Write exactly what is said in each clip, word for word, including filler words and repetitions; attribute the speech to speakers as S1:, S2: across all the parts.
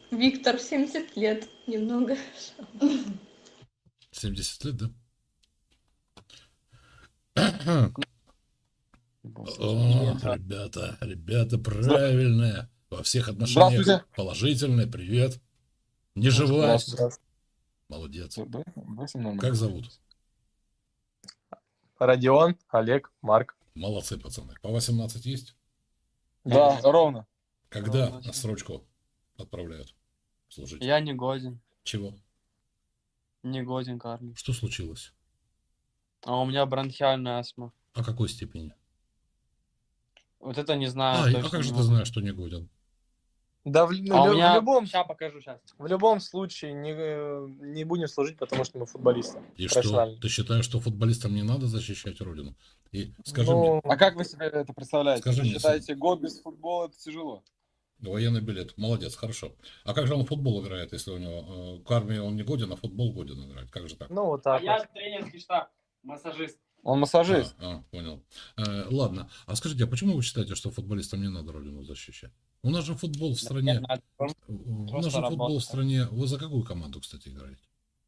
S1: Виктор, семьдесят лет. Немного.
S2: семьдесят лет, да? О, ребята, ребята, правильное. Во всех отношениях
S3: Здравствуйте.
S2: положительное. Привет. Не живая. Молодец. Как зовут?
S4: Родион, Олег, Марк.
S2: Молодцы, пацаны. По восемнадцать есть?
S3: Да, ровно.
S2: Когда
S5: Ровно.
S2: отсрочку отправляют служить?
S5: Я не годен.
S2: Чего?
S5: Не годен, Карли.
S2: Что случилось?
S5: А у меня бронхиальная астма.
S2: О какой степени?
S5: Вот это не знаю.
S2: А, и-
S5: точно
S2: а как же
S5: не
S2: ты
S5: могу.
S2: знаешь, что не годен?
S4: Да, в, ну,
S5: А у
S4: лю-
S5: меня...
S4: в любом,
S5: Сейчас покажу, сейчас.
S4: в любом случае не, э, не будем служить, потому что мы футболисты.
S2: И что?
S4: профессиональные.
S2: Ты считаешь, что футболистам не надо защищать родину? И скажи
S4: Ну,
S2: мне,
S3: А как вы себе это представляете?
S2: Скажи
S3: Вы
S2: мне,
S3: считаете, год без футбола это тяжело?
S2: военный билет. Молодец, хорошо. А как же он в футбол играет, если у него э, к армии он не годен, а в футбол годен играть? Как же так?
S4: ну вот
S5: А
S4: так
S5: я
S4: вот.
S5: тренерский штаб, массажист.
S3: Он массажист.
S2: А, а, понял. Э, ладно. А скажите, а почему вы считаете, что футболистам не надо родину защищать? У нас же футбол в стране.
S5: Надо
S2: У нас
S5: просто
S2: же футбол
S5: работать.
S2: в стране. Вы за какую команду, кстати, играете?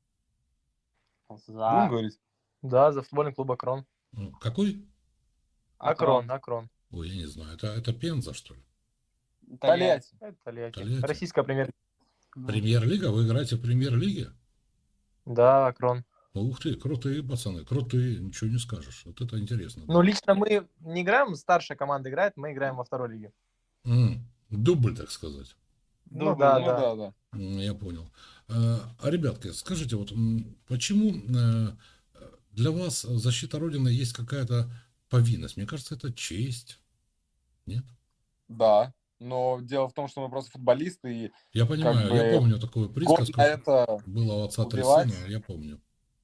S3: Будем
S5: За...
S3: говорить?
S4: Да, за футбольный клуб Акрон.
S2: Ну, какой?
S4: Акрон, Акрон.
S2: Ой, я не знаю. Это, это Пенза, что ли?
S3: Тольятти.
S4: Это Тольятти.
S2: Тольятти.
S4: Российская премьер.
S2: Премьер-лига? Вы играете в премьер-лиге?
S4: Да, Акрон.
S2: Ух ты, крутые пацаны, крутые, ничего не скажешь. Вот это интересно.
S4: Ну, лично мы не играем, старшая команда играет, мы играем во второй лиге.
S2: М, Дубль, так сказать.
S4: Ну,
S3: Ну
S4: да,
S3: ну
S4: да.
S3: да, да.
S2: М, Я понял. А, а, ребятки, скажите, вот м, почему э, для вас защита Родины есть какая-то повинность? Мне кажется, это честь. Нет?
S3: Да. Но дело в том, что мы просто футболисты, и
S2: Я понимаю,
S3: бы
S2: я помню такую
S3: год
S2: присказку,
S3: на
S2: что
S3: это
S2: было у отца три
S3: убивать.
S2: сына, я помню.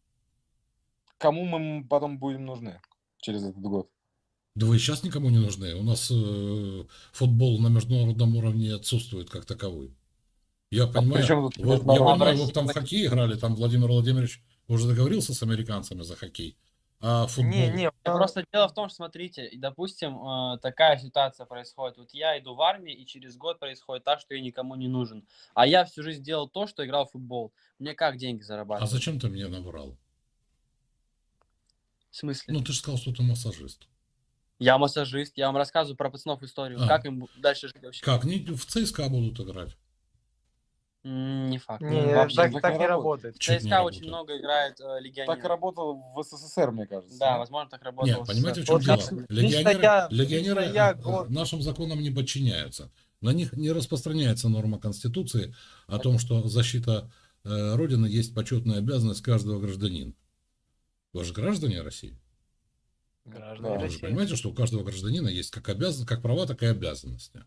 S3: Кому мы потом будем нужны через этот год?
S2: Да вы сейчас никому не нужны. У нас э, футбол на международном уровне отсутствует как таковой. Я понимаю,
S3: при чем тут
S2: вы- я
S3: международный?
S2: понимаю, вы
S5: России-
S2: бы там в хоккей играли, там Владимир Владимирович уже договорился с американцами за хоккей. А футбол...
S4: Не, не,
S5: Просто дело в том, что, смотрите, и, допустим, э, такая ситуация происходит. Вот я иду в армию, и через год происходит так, что я никому не нужен. А я всю жизнь делал то, что играл в футбол. Мне как деньги
S2: А
S5: зарабатывать?
S2: зачем ты мне набрал?
S5: В смысле?
S2: Ну, ты же сказал, что ты массажист.
S5: Я массажист, я вам рассказываю про пацанов историю.
S2: А.
S5: Как им дальше жить вообще?
S2: Как? Не, в ЦСКА будут играть.
S5: М, Не факт.
S4: не,
S3: Вообще
S4: так,
S3: так
S4: так
S3: не
S4: не
S3: работает.
S4: работает.
S5: В
S2: Чуть не
S5: ЦСКА очень
S2: работает.
S5: много играет э, легионеров.
S3: Так работало в СССР, мне кажется.
S5: Да, возможно, так работало.
S2: Нет,
S5: в
S2: понимаете, в
S5: СССР.
S2: чем
S4: Вот
S2: дело?
S4: лично-
S2: Легионеры,
S4: лично я-
S2: легионеры
S4: лично я
S2: э,
S4: год-
S2: нашим законам не подчиняются. На них не распространяется норма Конституции о том, что защита э, Родины есть почетная обязанность каждого гражданина. Вы же граждане России.
S4: Граждане
S3: Да,
S2: Вы же
S4: России.
S2: понимаете, что у каждого гражданина есть как, обязан... как права, так и обязанности.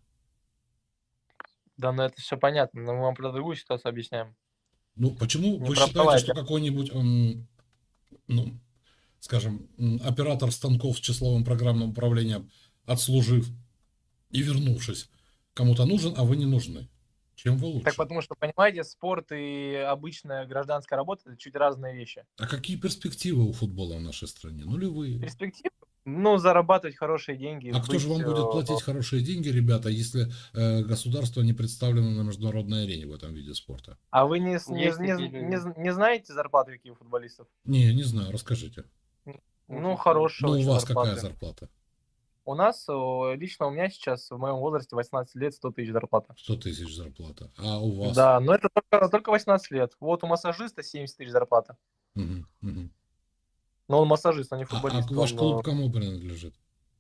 S4: Да, ну это все понятно, но мы вам про другую ситуацию объясняем.
S2: Ну, почему
S4: Не
S2: вы
S4: про
S2: считаете,
S4: права,
S2: что
S4: это-
S2: какой-нибудь, м, ну, скажем, м, оператор станков с числовым программным управлением, отслужив и вернувшись, кому-то нужен, а вы не нужны? Чем вы лучше?
S4: Так потому что, понимаете, спорт и обычная гражданская работа – это чуть разные вещи.
S2: А какие перспективы у футбола в нашей стране? Нулевые.
S4: Перспектива? Ну, зарабатывать хорошие деньги.
S2: А кто же вам
S4: быть,
S2: будет
S4: э,
S2: платить хорошие деньги, ребята, если э, государство не представлено на международной арене в этом виде спорта?
S4: А вы не, не,
S5: Есть
S4: не,
S5: такие
S4: не,
S5: люди.
S4: не знаете зарплаты какие у футболистов?
S2: Не, не знаю, расскажите.
S4: Ну, хорошая
S2: Ну, у
S4: очень
S2: вас
S4: зарплата.
S2: какая зарплата?
S4: У нас, о, лично у меня сейчас в моем возрасте восемнадцать лет, сто тысяч зарплата.
S2: сто тысяч зарплата. А у вас?
S4: Да, но это только, только восемнадцать лет. Вот у массажиста семьдесят тысяч зарплата.
S2: Мгм, мгм.
S4: Но он массажист, а не
S2: А, а
S4: футболист.
S2: ваш
S4: он,
S2: клуб
S4: э,
S2: кому принадлежит?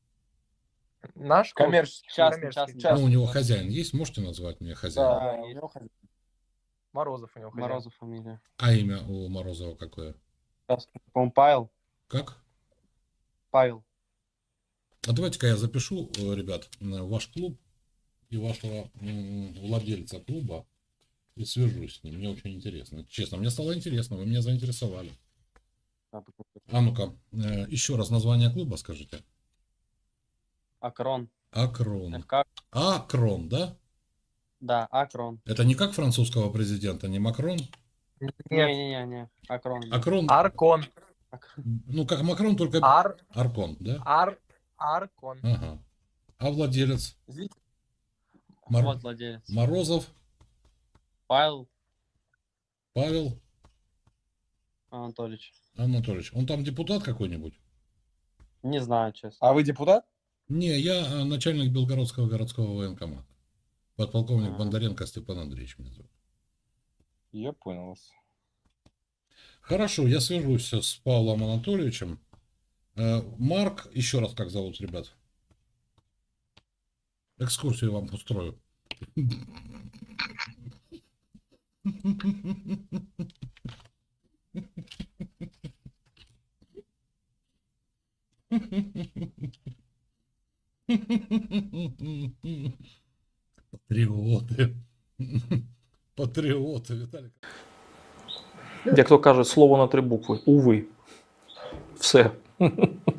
S4: Наш клуб?
S3: Коммерческий.
S5: Частный,
S4: Коммерческий.
S5: частный.
S2: Ну, у него хозяин есть? Можете назвать мне хозяина?
S3: Да,
S5: Да,
S3: у него хозяин.
S4: Морозов у него хозяин.
S5: Морозов фамилия.
S2: А имя у Морозова какое?
S5: Сейчас, по-моему, Павел.
S2: Как?
S5: Павел.
S2: А давайте-ка я запишу, э, ребят, на ваш клуб и вашего м, владельца клуба и свяжусь с ним. Мне очень интересно. Честно, мне стало интересно, вы меня заинтересовали. А ну-ка, э, еще раз название клуба скажите.
S5: Акрон.
S2: Акрон.
S5: ФК.
S2: Акрон, да?
S5: Да, Акрон.
S2: Это не как французского президента, не Макрон?
S4: Нет,
S5: Не-не-не, Акрон.
S2: Акрон,
S4: Аркон.
S2: ну как Макрон, только
S4: Ар,
S2: Аркон, да?
S4: ар, Аркон.
S2: Ага. А владелец?
S3: Извините.
S2: Мор-
S5: Вот владелец.
S2: Морозов?
S5: Павел
S2: Павел
S5: Анатольевич.
S2: Анатольевич. Он там депутат какой-нибудь?
S5: Не знаю, честно.
S3: А вы депутат?
S2: Не, я э, начальник Белгородского городского военкомата. Подполковник
S5: А.
S2: Бондаренко Степан Андреевич меня зовут.
S3: Я понял вас.
S2: Хорошо, я свяжусь с Павлом Анатольевичем. Э, Марк, еще раз как зовут, ребят? Экскурсию вам устрою. Патріоти. Патріоти, Віталік.
S6: Як то кажуть, слово на три букви. Уви. Все.